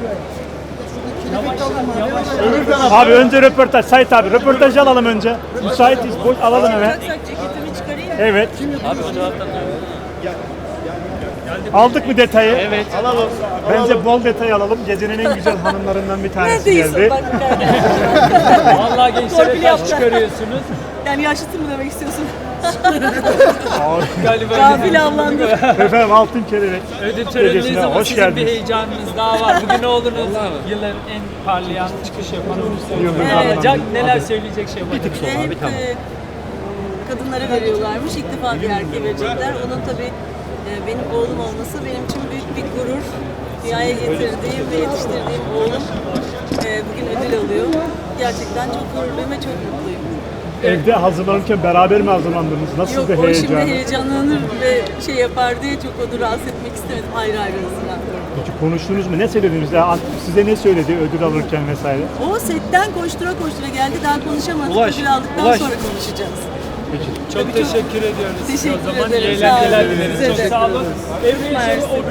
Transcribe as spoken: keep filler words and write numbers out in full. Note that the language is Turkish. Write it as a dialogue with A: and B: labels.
A: Abi önce röportaj. Sait abi röportajı alalım önce. Müsaitiz. Boş alalım hemen.
B: Ceketimi çıkarayım.
A: Evet.
C: Abi o taraftan
A: Aldık mı detayı?
C: Evet.
A: Alalım. Bence bol detay alalım. Gecenin en güzel hanımlarından bir tanesi
B: Neredeyiz?
A: geldi.
B: Bak,
C: Vallahi gençlere
B: Torpil
C: taş
B: yaptı.
C: çıkarıyorsunuz.
B: yani yaşlısın mı demek istiyorsun?
C: Galiba
B: Gafil avlandı.
A: Efendim altın kelebek.
C: ödül töreninizde
A: Gecesine
C: ama
A: hoş
C: sizin bir
A: geldiniz.
C: heyecanınız daha var. Bugün oğlunuz yılların en parlayan çıkış yapan
A: Yıldız
C: oyuncusu olacak.
A: Hanım.
C: Neler söyleyecek şey var?
B: Bir hep e, kadınlara veriyorlarmış. İlk defa bir erkeğe verecekler. Onun tabii e, benim oğlum olması benim için büyük bir gurur. Dünyaya getirdiğim ve yetiştirdiğim oğlum e, bugün ödül alıyor. Gerçekten çok gururluyum ve çok mutluyum.
A: Evde hazırlanırken beraber mi hazırlandınız? Nasıl
B: Yok
A: bir
B: o şimdi
A: heyecan?
B: heyecanlanır ve şey yapar diye çok onu rahatsız etmek istemedim. Ayrı ayrı hazırlandım.
A: Peki konuştunuz mu? Ne söylediniz? Ya, size ne söyledi ödül alırken vesaire?
B: O setten koştura koştura geldi. Daha konuşamadık.
C: Ulaş,
B: Ödül aldıktan
C: Ulaş.
B: sonra konuşacağız.
A: Peki.
C: Çok teşekkür ediyoruz.
B: Teşekkür
C: O zaman
B: ederim.
C: iyi
B: Sağ olun.
C: eğlenceler dileriz.
B: Size
C: Çok
B: de.
C: sağ olun. Evliya
B: Mersi.